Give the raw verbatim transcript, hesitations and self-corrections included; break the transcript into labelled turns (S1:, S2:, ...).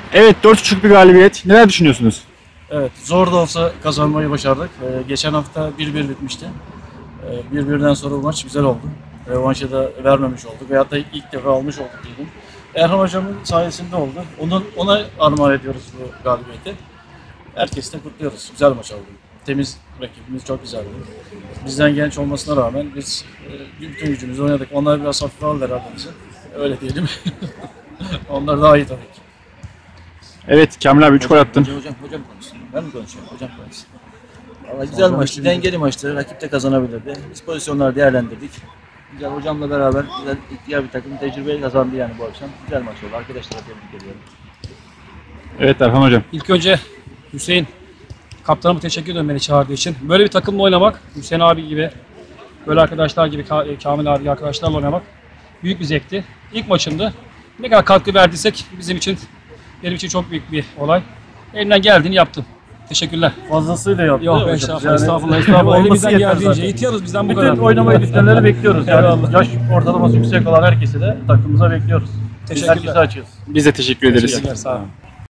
S1: Evet, dört buçuk bir galibiyet. Neler düşünüyorsunuz?
S2: Evet, zor da olsa kazanmayı başardık. Ee, geçen hafta bir bir bitmişti. Ee, bir birden sonra bu maç güzel oldu. Revanşı da vermemiş olduk veyahut da ilk defa almış olduk dedim. Erhan hocamın sayesinde oldu. Onun, ona armağan ediyoruz bu galibiyeti. Herkesi de kutluyoruz. Güzel maç oldu. Temiz rakibimiz çok güzeldi. Bizden genç olmasına rağmen biz e, bütün gücümüzü oynadık. Onlar biraz hafife aldı herhalde bizi. Öyle diyelim. Onlar daha iyi tabii ki.
S1: Evet, Kamil abi üç gol attın.
S3: Hocam, hocam, hocam konuşsun. Ben mi konuşuyorum? Hocam konuşsun. Valla güzel maçtı, dengeli maçtı. Rakip de kazanabilirdi. Biz pozisyonları değerlendirdik. Güzel hocamla beraber güzel ihtiyar bir takım tecrübeyi kazandı yani bu akşam. Güzel maç oldu. Arkadaşlara tebrik ediyorum.
S1: Evet Erhan hocam.
S4: İlk önce Hüseyin kaptanıma teşekkür ederim beni çağırdığı için. Böyle bir takımla oynamak, Hüseyin abi gibi, böyle arkadaşlar gibi, Kamil abi gibi arkadaşlarla oynamak büyük bir zevkti. İlk maçımdı. Ne kadar katkı verdiysek bizim için, benim için çok büyük bir olay. Elimden geldiğini yaptım. Teşekkürler.
S2: Fazlasıyla yaptı.
S4: Yok
S2: hocam.
S4: estağfurullah,
S2: Yani
S4: estağfurullah, estağfurullah.
S2: olması
S4: Elimizden
S2: yeter
S4: geldiğince
S2: zaten.
S4: yetiyoruz bizden bu
S2: Bütün
S4: kadar.
S2: oynamayı düşünenleri bekliyoruz. Yani
S4: Eyvallah.
S2: yaş ortalaması yüksek olan herkesi de takımımıza bekliyoruz. Biz
S4: Teşekkürler.
S2: herkese açıyoruz.
S1: Biz de teşekkür ederiz.
S4: Teşekkürler, sağ olun.